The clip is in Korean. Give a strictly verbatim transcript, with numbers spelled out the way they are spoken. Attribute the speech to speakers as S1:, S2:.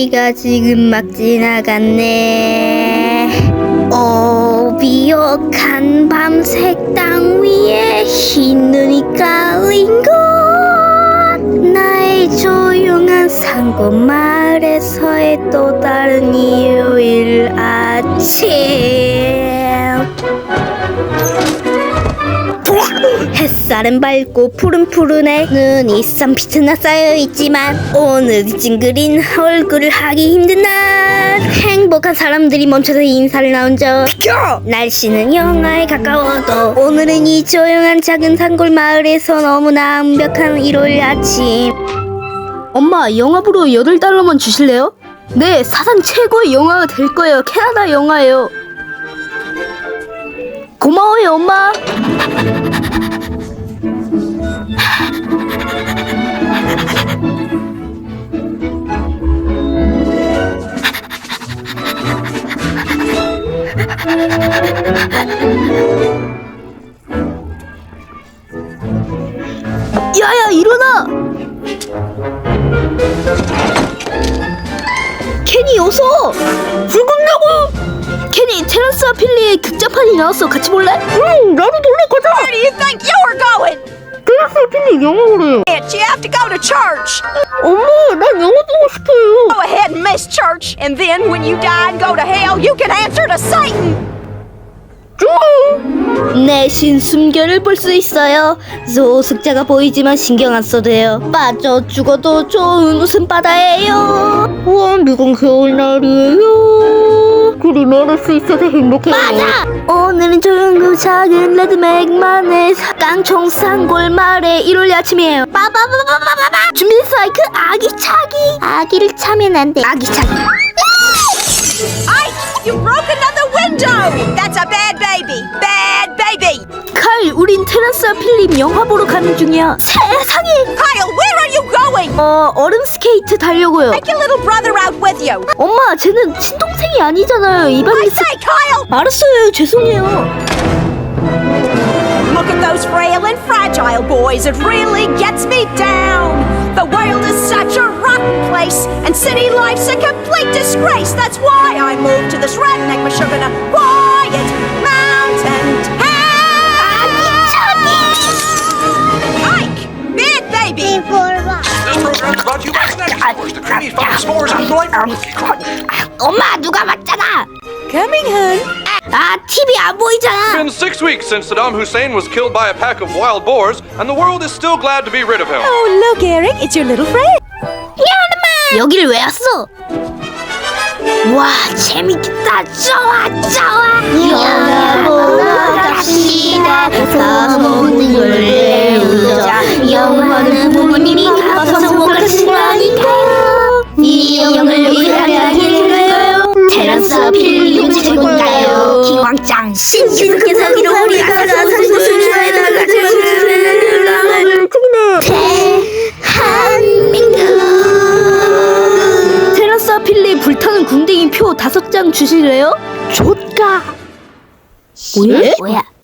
S1: 해리가 지금 막 지나갔네. 오, 비옥한 밤색 땅 위에 흰 눈이 깔린 곳, 나의 조용한 산골 마을에서의 또 다른 일요일 아침. 햇살은 밝고 푸른푸른해. 눈이 쌈비트나 쌓여있지만 오늘 찡그린 얼굴을 하기 힘든 날. 행복한 사람들이 멈춰서 인사를 나눈죠. 비켜! 날씨는 영하에 가까워도 오늘은 이 조용한 작은 산골 마을에서 너무나 완벽한 일요일 아침.
S2: 엄마, 영화보러 여덟 달러만 주실래요? 네, 사상 최고의 영화가 될 거예요. 캐나다 영화예요. 고마워요, 엄마. 야야, 일어나! 케니, 어서! 죽은다고! 케니, 테란스와 필리의 극장판이 나왔어. 같이 볼래?
S3: 응, 나도 볼래. 가자.
S4: Where do you think you're going?
S3: 테라스와 필리 영화 보래요.
S4: You have to go to church.
S3: 엄마, 난 영화 보고 싶어요.
S4: Go ahead and miss church, and then when you die and go to hell, you can answer to Satan.
S1: 내신 숨결을 볼 수 있어요. 소숙자가 보이지만 신경 안 써도 돼요. 빠져 죽어도 좋은 웃음바다예요.
S3: 우와, 미국 겨울날이에요. 그리 말할 수 있어서 행복해요.
S1: 맞아! 오늘은 조용고 작은 레드맥만의 깡총 산골 마을의 일요일 아침이에요. 빠바바바바바바! 준비됐어, 그 아기차기. 아기를 차면 안 돼. 아기차기.
S4: Ike, you broke another window. That's a bad baby. Bad baby.
S2: 칼, 우린 테란스와 필립 영화 보러 가는 중이야.
S1: 세상에!
S4: Kyle, where are you going?
S2: 어, 얼음 스케이트 타려고요.
S4: Take your little brother out with you.
S2: 엄마, 쟤는 친동생이 아니잖아요.
S4: I
S2: 이방인.
S4: say, Kyle.
S2: 알았어요, 죄송해요.
S4: Look at those frail and fragile boys. It really gets me down. The world is such a rotten place, and city life's a complete disgrace. That's why I moved to this redneck Michigan, quiet mountain town. Ike, bad baby.
S5: This program is brought to you by Snack Stores, the creamy fun s'mores and delightful.
S1: 엄마, 누가 맞잖아.
S4: Coming, hon.
S1: 아, 티비 안 보이잖아.
S5: It's been six weeks since Saddam Hussein was killed by a pack of wild boars, and the world is still glad to be rid of him.
S4: Oh, look, Eric, it's your little friend.
S1: 여기를 왜 왔어? 와, 재밌겠다. 좋아, 좋아. 영화 보러 갑시다. 가서 모든 걸 배우자. 영화는 부모님이 가서 못 가시라니까요. 이 영화를 위하여 길까요? 테라스와 필리움 최고인가요? 기왕짱 신신께서 기로 우리 가서 산곳을 좋아해달라. 대한민국.
S2: 테란스와 필립 불타는 궁뎅이 표 다섯 장 주실래요? 좆가.
S1: 뭐야? 뭐야?